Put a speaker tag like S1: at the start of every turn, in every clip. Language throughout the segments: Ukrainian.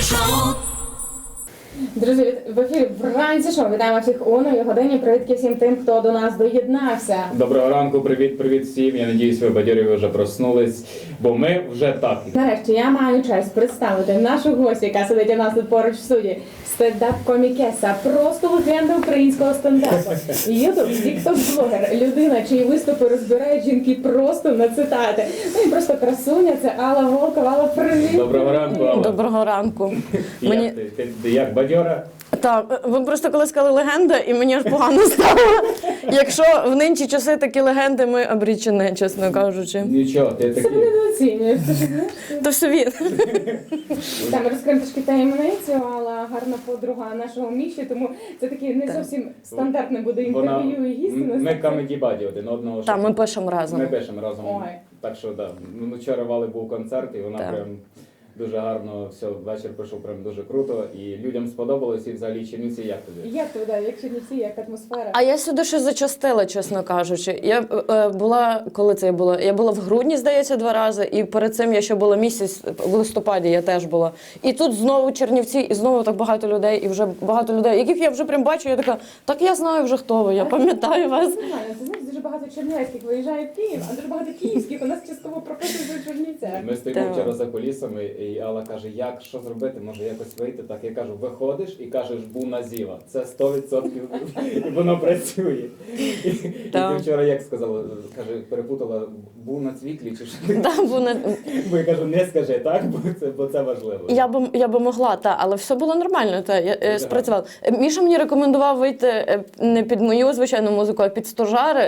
S1: Друзі, в ефірі вранці шоу. Вітаємо всіх у новій годині. Привітки всім тим, хто до нас доєднався.
S2: Доброго ранку, привіт всім. Я надіюсь, ви бадьорі, ви вже проснулись, бо ми вже так.
S1: Нарешті я маю честь представити нашу гостю, яка сидить у нас тут поруч в студії. Стендап-комікеса, просто легенда українського стендапу. Ютуб, тікток-блогер, людина, чиї виступи розбирають жінки просто на цитати. Ну і просто красуня, це Алла Волкова. Алла, привіт!
S2: Доброго ранку, Алла.
S3: Доброго ранку.
S2: Як ти як бадьора?
S3: Так, ви просто коли сказали легенда, і мені аж погано стало. Якщо в нинчі часи такі легенди, ми обрічені, чесно кажучи.
S2: Нічого, ти
S1: Це
S2: такий.
S1: недооцінюєш.
S3: То все він.
S1: Там розкриємо трішки таємницю, Алла гарна подруга нашого Міші, тому це таке не зовсім стандартне буде інтерв'ю і гість.
S2: Ми камеді-баді один одного.
S3: Так, ми пишемо разом.
S2: Ми пишемо разом.
S1: Ой.
S2: Так що, так. Да. Вчора Вали був концерт, і вона
S3: Так.
S2: прям дуже гарно, все, вечір пройшов прям дуже круто. І людям сподобалось, і взагалі Чернівці, як тобі?
S1: Як туди, як Чернівці, як атмосфера?
S3: А я сюди ще зачастила, чесно кажучи. Я була, коли це я була? Я була в грудні, здається, 2 рази, і перед цим я ще була місяць, в листопаді я теж була. І тут знову Чернівці, і знову так багато людей, і вже багато людей, яких я вже прям бачу, я така, так я знаю вже хто ви, я пам'ятаю вас.
S1: Це нормально, це знаєш, дуже багато чернівецьких виїжджає в Київ, а дуже багато київських у нас частково прописують у Чернівцях.
S2: Ми стоїмо
S3: Так.
S2: вчора за кулісами, і Алла каже, що зробити, може якось вийти. Так я кажу, виходиш і кажеш, був на зіва. Це 100% і воно працює. І ти вчора як сказала, каже, перепутала, був на цвіклі чи що? Бо я кажу, не скажи так, бо це важливо.
S3: Я би могла, але все було нормально, я спрацювала. Міша мені рекомендував вийти не під мою звичайну музику, а під стожари.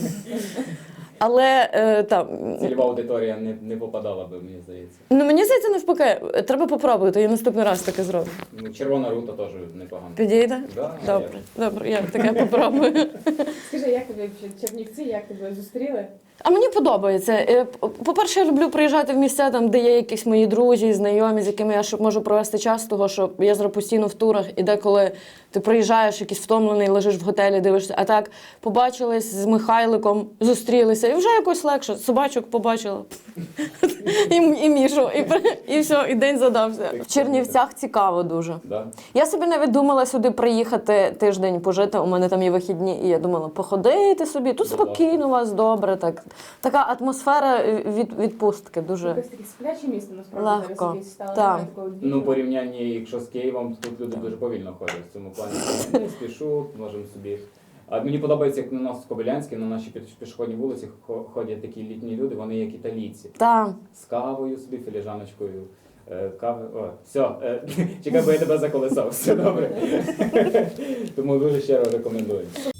S3: Але там
S2: Цільова аудиторія не попадала би, мені здається.
S3: ну мені здається, навпаки, треба попробувати, я наступний раз таке зроблю.
S2: Ну, Червона рута теж непогано.
S3: Підійде?
S2: Да,
S3: Добре, я таке попробую.
S1: Скажи, як тобі Чернівці, як тебе зустріли?
S3: А мені подобається. По-перше, я люблю приїжджати в місця, там, де є якісь мої друзі, знайомі, з якими я можу провести час, того, що я зараз постійно в турах, і деколи ти приїжджаєш, якийсь втомлений, лежиш в готелі, дивишся, а так побачились з Михайликом, зустрілися, і вже якось легше. Собачок побачила, і Мішу, і все, і день задався. В Чернівцях цікаво дуже.
S2: Да?
S3: Я собі навіть думала сюди приїхати тиждень пожити, у мене там є вихідні, і я думала, походити собі, тут спокійно у вас, добре, так. Така атмосфера відпустки дуже
S1: Якось таке спляче місто, насправді,
S3: легко.
S1: зараз якесь стало.
S3: Так.
S1: Немає такого
S2: Ну,
S1: бігу.
S2: порівнянні, якщо з Києвом, тут люди дуже повільно ходять в цьому плані. Не спішу, можемо собі. А мені подобається, як на нас в Кобилянській, на нашій пішохідній вулиці ходять такі літні люди, вони як італійці.
S3: Так.
S2: З кавою собі, філіжаночкою. Кави. О, все, чекай, бо я тебе заколесав. Все добре. Тому дуже щиро рекомендую.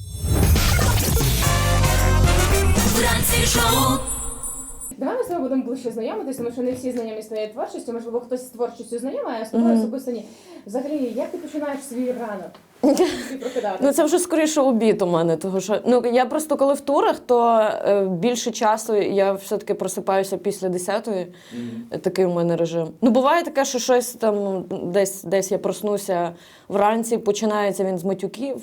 S1: Давай ми з тобою будемо ближче знайомитися, тому що не всі знайомі з твоєю творчістю, можливо, хтось з творчістю знайомий, а з тобою особисто ні. Взагалі, як ти починаєш свій ранок? Ти прокидатися?
S3: Ну це вже скоріше обід у мене, тому що я просто коли в турах, то більше часу я все-таки просипаюся після 10-ї. Такий у мене режим. Ну буває таке, що щось там десь я проснуся вранці, починається він з матюків.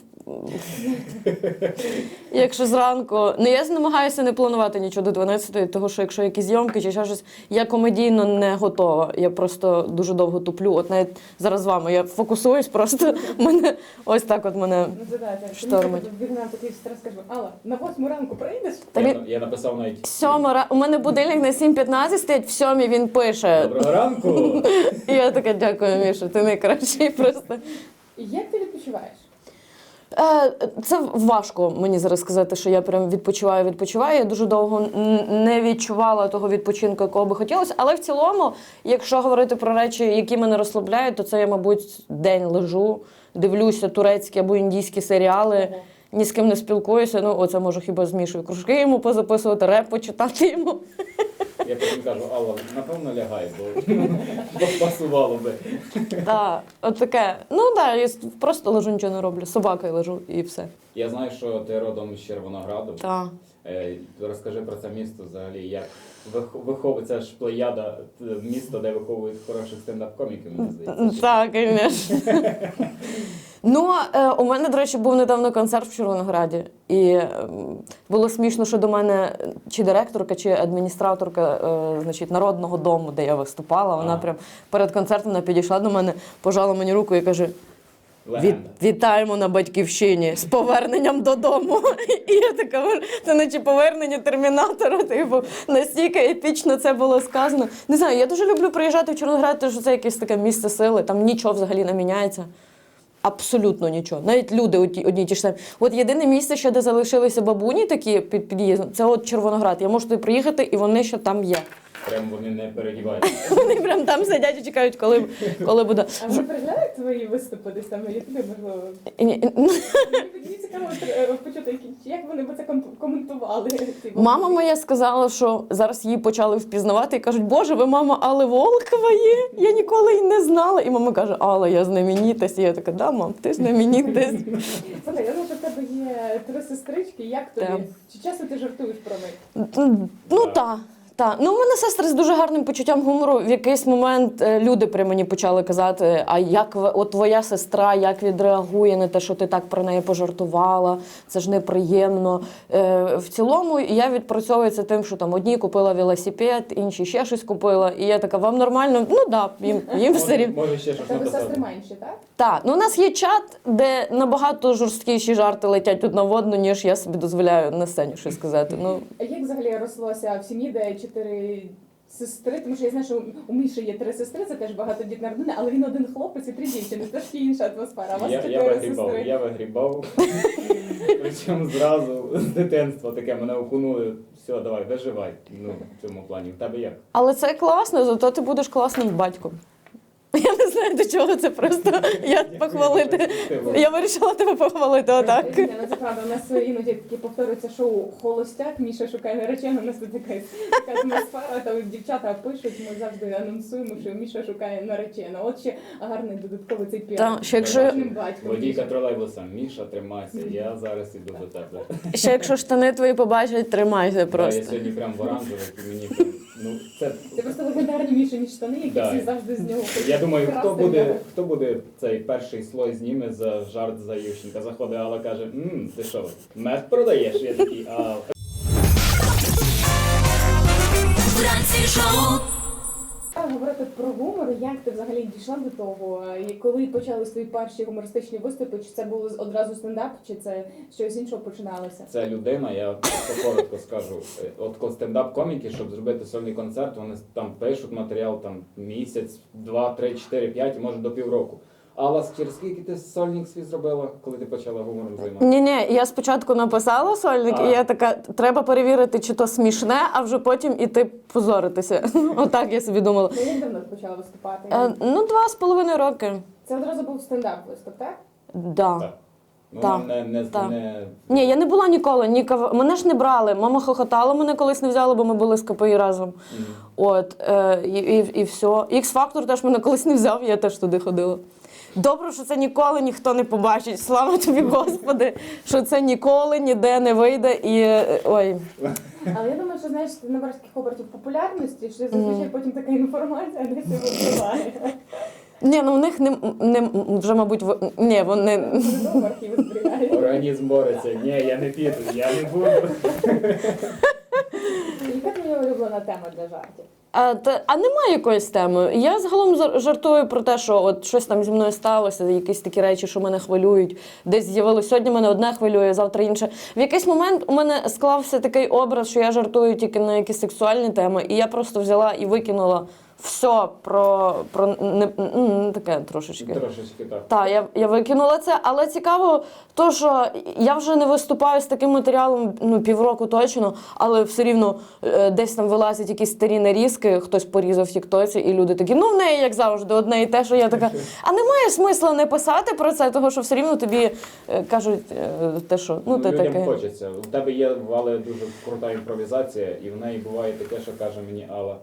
S3: Якщо зранку. Ну я намагаюся не планувати нічого до 12-ї, тому що якщо якісь зйомки чи ще щось, я комедійно не готова. Я просто дуже довго туплю. От навіть зараз з вами я фокусуюсь, просто мене ось так от мене штормить.
S1: Вігнав такий стрес, кажу, Алла, на 8 ранку прийдеш?
S2: Я написав навіть
S3: 7 у мене будильник на 7:15 стоїть, в 7 він пише.
S2: «Доброго ранку!»
S3: І я така, дякую, Міша, ти найкращий просто.
S1: Як ти відпочиваєш?
S3: Це важко мені зараз сказати, що я прям відпочиваю. Я дуже довго не відчувала того відпочинку, якого би хотілося. Але в цілому, якщо говорити про речі, які мене розслабляють, то це я, мабуть, день лежу, дивлюся турецькі або індійські серіали, ні з ким не спілкуюся. Ну, оце можу хіба з Мішою кружки йому позаписувати, реп почитати йому.
S2: Я потім кажу, Алла, напевно лягай, бо пасувало би.
S3: Так, от таке. Ну так, я просто лежу, нічого не роблю. З собакою лежу і все.
S2: Я знаю, що ти родом з Червонограду.
S3: Так.
S2: Розкажи про це місто взагалі, як виховується ж плеяда, місто, де виховують хороших стендап-коміків, мені здається.
S3: Так, звісно. Ну, у мене, до речі, був недавно концерт в Червонограді. І було смішно, що до мене чи директорка, чи адміністраторка значить, Народного дому, де я виступала, вона прям перед концертом вона підійшла до мене, пожала мені руку і каже: Вітаємо на Батьківщині з поверненням додому. І я така, це наче повернення Термінатора, типу, настільки епічно це було сказано. Не знаю, я дуже люблю приїжджати в Червоноград, тому що це якесь таке місце сили, там нічого взагалі не міняється. Абсолютно нічого. Навіть люди одні ті ж самі. От єдине місце, ще де залишилися бабуні такі під під'їздом, це от Червоноград. Я можу туди приїхати, і вони ще там є.
S2: Прям вони не передіваються.
S3: Вони прям там сидять і чекають, коли буде.
S1: А ви переглядаєте твої виступи десь там на Ютубі, можливо? Мені цікаво почути, як вони б це коментували.
S3: Мама моя сказала, що зараз її почали впізнавати і кажуть: Боже, ви мама Алли Волкова є? Я ніколи й не знала. І мама каже: Алла, я знаменитость. І я така: да, мам, ти знаменитость.
S1: Слухай, я знаю, що в тебе є 3 сестрички. Як тобі?
S3: Так.
S1: Чи часто ти жартуєш про них?
S3: Ну так. Так, ну у мене сестри з дуже гарним почуттям гумору. В якийсь момент люди при мені почали казати: а як от твоя сестра, як відреагує на те, що ти так про неї пожартувала, це ж неприємно. В цілому я відпрацьовую це тим, що там одні купила велосипед, інші ще щось купила. І я така: вам нормально? Ну так, їм все рівно.
S2: Може ще щось
S1: Тебе
S2: написати.
S1: сестри менші, так?
S3: Так, ну у нас є чат, де набагато жорсткіші жарти летять одна в одну, ніж я собі дозволяю на сцені щось сказати. Ну,
S1: А як взагалі рослося в сім'ї, де 4 сестри? Тому що я знаю, що у Міші є 3 сестри, це теж багатодітна родина, але він один хлопець і 3 дівчини. Це ж інша атмосфера. А у вас 4 сестри.
S2: Я вигрібав. Причому зразу з дитинства таке мене окунули. Все, давай, виживай. Ну, в цьому плані. В тебе як?
S3: але це класно, зато ти будеш класним батьком. Я не знаю, до чого це просто. Я похвалити. Я вирішила тебе похвалити, отак.
S1: Ні, ну це правда, у нас іноді такі повторюється шоу «Холостяк», Міша шукає наречену, у нас тут така атмосфера, там дівчата пишуть, ми завжди анонсуємо, що Міша шукає наречену. От ще гарний додатковий цей піар.
S3: Та, ще якщо-
S1: Класним батьком.
S2: Водійка тролейбуса: Міша, тримайся, я зараз іду до тебе.
S3: Ще якщо штани твої побачать, тримайся
S2: Я
S3: просто.
S2: сьогодні прям в оранжевих, і мені прям, ну, це...
S1: Це просто легендарні Мішині штани, які
S2: Да.
S1: всі завжди з нього хочуть
S2: Я думаю,
S1: красти.
S2: хто буде цей перший слой зніме за жарт за Ющенка. Заходить Алла, каже: ти що, мед продаєш? Я такий: а...
S4: Вранці шоу.
S1: Говорити про гумор, як ти взагалі дійшла до того? І коли почались твої перші гумористичні виступи? Чи це було одразу стендап, чи це щось іншого починалося?
S2: Це людина, я просто коротко скажу. От коли стендап-коміки, щоб зробити сольний концерт, вони там пишуть матеріал там місяць, 2, 3, 4, 5 і може до півроку. Алла, через скільки ти сольник свій зробила, коли ти почала гумором займатися?
S3: Ні, я спочатку написала сольник, і я така: треба перевірити, чи то смішне, а вже потім іти позоритися. Отак я собі думала.
S1: Ну, як давно ти почала виступати?
S3: Ну, 2,5 роки.
S1: Це одразу був стендап виступ, так?
S3: Да.
S2: Так. Ну,
S3: Так,
S2: не
S3: так. Ні, я не була ніколи, мене ж не брали. Мама хохотала, мене колись не взяла, бо ми були з КПІ разом. От, і все. X-Factor теж мене колись не взяв, я теж туди ходила. Добре, що це ніколи ніхто не побачить. Слава тобі, Господи, що це ніколи ніде не вийде. І ой.
S1: Але я думаю, що знаєш, ти набереш таких обертів популярності, що зазвичай потім така інформація десь випливає.
S3: Ні, ну у них не вже, мабуть, ні, вони.
S1: Додому архіви зберігають.
S2: Організм бореться. Ні, я не піду, я не буду.
S1: Яка твоя улюблена тема для жартів?
S3: А немає якоїсь теми. Я загалом жартую про те, що от щось там зі мною сталося, якісь такі речі, що мене хвилюють. Десь з'явилось сьогодні мене одне хвилює, завтра інше. В якийсь момент у мене склався такий образ, що я жартую тільки на якісь сексуальні теми, і я просто взяла і викинула все про не таке трошечки.
S2: Трошечки так.
S3: Так, я викинула це, але цікаво, то, що я вже не виступаю з таким матеріалом півроку точно, але все рівно десь там вилазять якісь старі нарізки, хтось порізав в тіктоці, і люди такі: ну в неї, як завжди, одне і те, що я така. А немає смисла не писати про це, тому що все рівно тобі кажуть те, що ти
S2: Людям
S3: таке.
S2: хочеться. У тебе є, Вале, дуже крута імпровізація, і в неї буває таке, що каже мені Алла: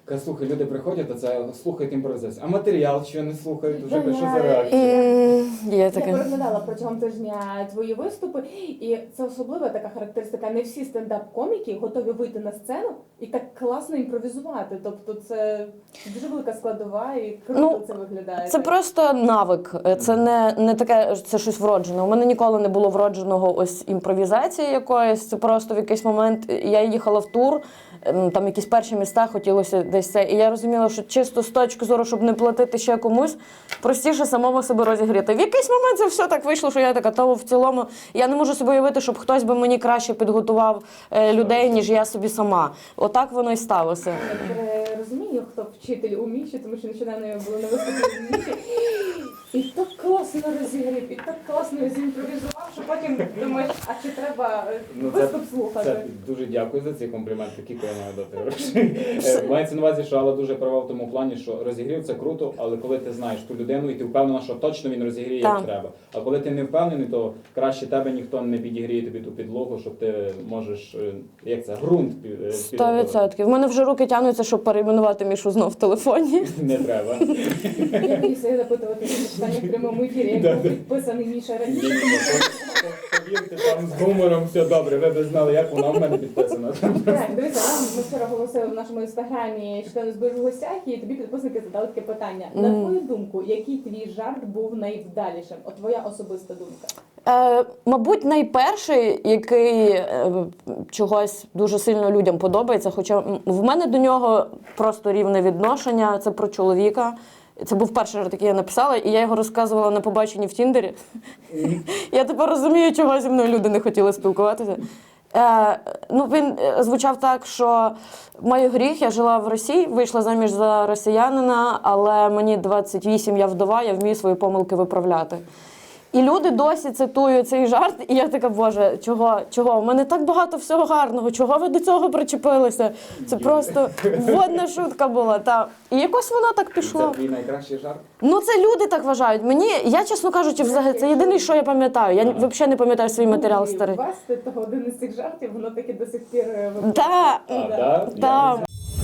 S2: Каже, слухай, люди приходять, а це слухають імпровізацію. А матеріал що не слухають, вже що за реакція?
S3: Є
S1: Я
S3: таке.
S1: переглядала протягом тижня твої виступи, і це особлива така характеристика. Не всі стендап-коміки готові вийти на сцену і так класно імпровізувати. Тобто це дуже велика складова і круто
S3: Ну,
S1: це виглядає.
S3: Це просто навик. Це не таке, це щось вроджене. У мене ніколи не було вродженого ось імпровізації якоїсь. Це просто в якийсь момент я їхала в тур, там якісь перші міста, хотілося десь це. І я розуміла, що чисто з точки зору, щоб не платити ще комусь, простіше самому себе розігріти. В якийсь момент це все так вийшло, що я така, то в цілому я не можу собі уявити, щоб хтось би мені краще підготував людей, ніж я собі сама. Отак воно і сталося.
S1: Я розумію, хто вчитель у Міші, тому що нещодавно я була на виступі в Міші. І так класно розігрів, і так класно зімпровізував, що потім думаєш, а чи треба виступ слухати?
S2: Це дуже дякую за ці компліменти, Кіко, я маю дати гроші. Мається на увазі, що Алла дуже права в тому плані, що розігрів це круто, але коли ти знаєш ту людину і ти впевнена, що точно він розігріє як
S3: Так.
S2: треба. А коли ти не впевнений, то краще тебе ніхто не підігріє тобі ту підлогу, щоб ти можеш, як це, ґрунт підготувати.
S3: 100%. В мене вже руки тягнуться, щоб перейменувати Мішу знов в телефоні.
S2: Не треба.
S1: Я боюся запитувати ці питання в прямому ефірі, як був підписаний Міша раніше.
S2: Повірте, там з гумором все добре, ви б знали, як вона в мене підписана.
S1: Так, дивіться, ми вчора оголосили в нашому інстаграмі, що ти у нас будеш в гостях, і тобі підписники задали таке питання. На твою думку, який твій жарт був найвдалішим? От твоя особиста думка.
S3: Мабуть, найперший, який чогось дуже сильно людям подобається, хоча в мене до нього просто рівне відношення, це про чоловіка. Це був перший жарт, який я написала, і я його розказувала на побаченні в Тіндері. Я тепер розумію, чого зі мною люди не хотіли спілкуватися. Він звучав так, що маю гріх, я жила в Росії, вийшла заміж за росіянина, але мені 28, я вдова, я вмію свої помилки виправляти. І люди досі цитують цей жарт, і я така, боже, чого? У мене так багато всього гарного, чого ви до цього причепилися? Це просто водна шутка була. Та. І якось воно так пішло.
S2: Це твій найкращий жарт?
S3: Ну, це люди так вважають. Я, чесно кажучи, взагалі, це єдине, що я пам'ятаю. Я взагалі не пам'ятаю свій матеріал старий.
S1: Вести того один із цих жартів, воно таки до сих пір виходить.
S3: Так, так.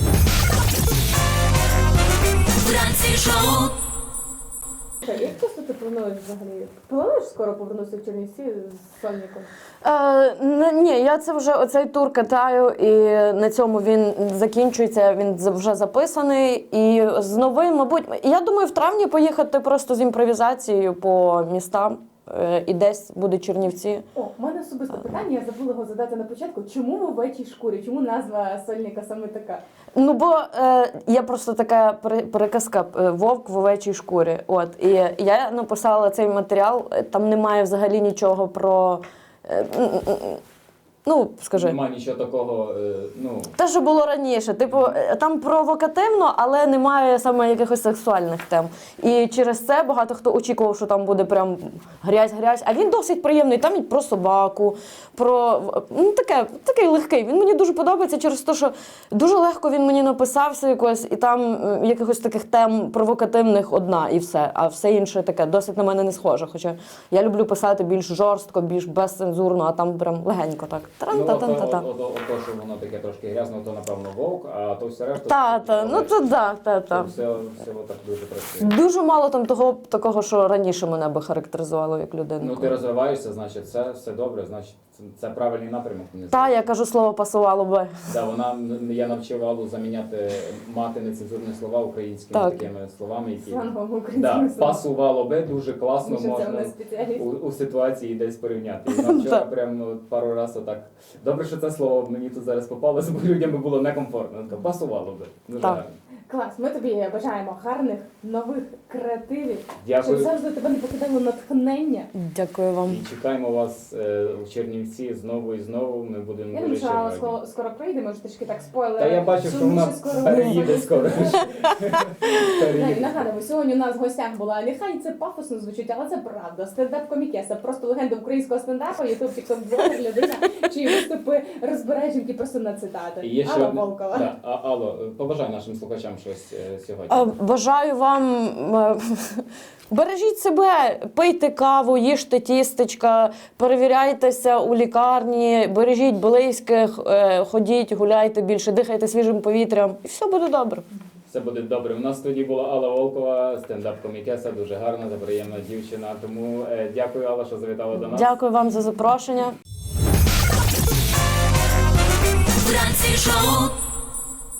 S4: Вранці шоу.
S1: Як часто ти плануєш взагалі? Плануєш скоро повернутися в Чернівці з сольником?
S3: Ні, я це вже оцей тур катаю, і на цьому він закінчується, він вже записаний. І з новим, мабуть, я думаю, в травні поїхати просто з імпровізацією по містам. І десь буде Чернівці.
S1: О, у мене особисте питання, я забула його задати на початку. Чому в овечій шкурі? Чому назва сольника саме така?
S3: Ну, бо є просто така переказка «Вовк в овечій шкурі». От, і я написала цей матеріал, там немає взагалі нічого про... скажи.
S2: Нема нічого такого,
S3: Те, що було раніше. Типу, там провокативно, але немає саме якихось сексуальних тем. І через це багато хто очікував, що там буде прям грязь. А він досить приємний. Там і про собаку, про... такий легкий. Він мені дуже подобається через те, що дуже легко він мені написався якось, і там якихось таких тем провокативних одна і все. А все інше таке досить на мене не схоже. Хоча я люблю писати більш жорстко, більш безцензурно, а там прям легенько так.
S2: Тран-та-та-та-та. То, що воно таке трошки грязно, то напевно вовк, а то все решта...
S3: Та.
S2: Все так дуже працює.
S3: Дуже мало там такого, що раніше мене би характеризувало як людину.
S2: Ну ти розвиваєшся, значить це все добре, значить це правильний напрямок.
S3: Та, я кажу, слово пасувало би.
S2: Да, я навчив Аллу заміняти мати нецензурні слова українськими
S3: Так.
S2: такими словами, які
S1: Слангом українськими словами.
S2: пасувало би дуже класно
S1: Тому що це в
S2: можна
S1: нас спеціаліст.
S2: у ситуації десь порівняти. І вона вчора прям пару разів так. Добре, що це слово мені тут зараз попалося, бо людям би було некомфортно. Так, пасувало би. Дуже
S3: Так.
S2: гарно.
S1: Клас, ми тобі бажаємо гарних, нових креативів,
S2: Дякую.
S1: щоб завжди тебе не покидало натхнення.
S3: Дякую вам.
S2: І чекаємо вас в Чернівці знову і знову. Ми будемо
S1: Я думаю,
S2: дуже
S1: що Алла
S2: раді.
S1: скоро прийде, може трішки так спойлер.
S2: Та я бачу, що вона переїде скоро.
S1: І нагадуємо, сьогодні у нас в гостях була, нехай це пафосно звучить, але це правда. Стендап-комікеса, просто легенда українського стендапу, ютуб, тікток-блогер, людина, чиї виступи розбирають жінки просто на цитати.
S2: І є ще
S1: Алла
S2: одне-
S1: Волкова.
S2: Да. Алло, побажай нашим слухачам щось сьогодні?
S3: Бажаю вам бережіть себе, пийте каву, їжте тістечка, перевіряйтеся у лікарні, бережіть близьких, ходіть, гуляйте більше, дихайте свіжим повітрям, і все буде добре.
S2: Все буде добре. У нас в студії була Алла Волкова, стендап-комікеса, дуже гарна та приємна дівчина. Тому дякую, Алла, що завітала до нас.
S3: Дякую вам за запрошення.
S4: Вранці шоу.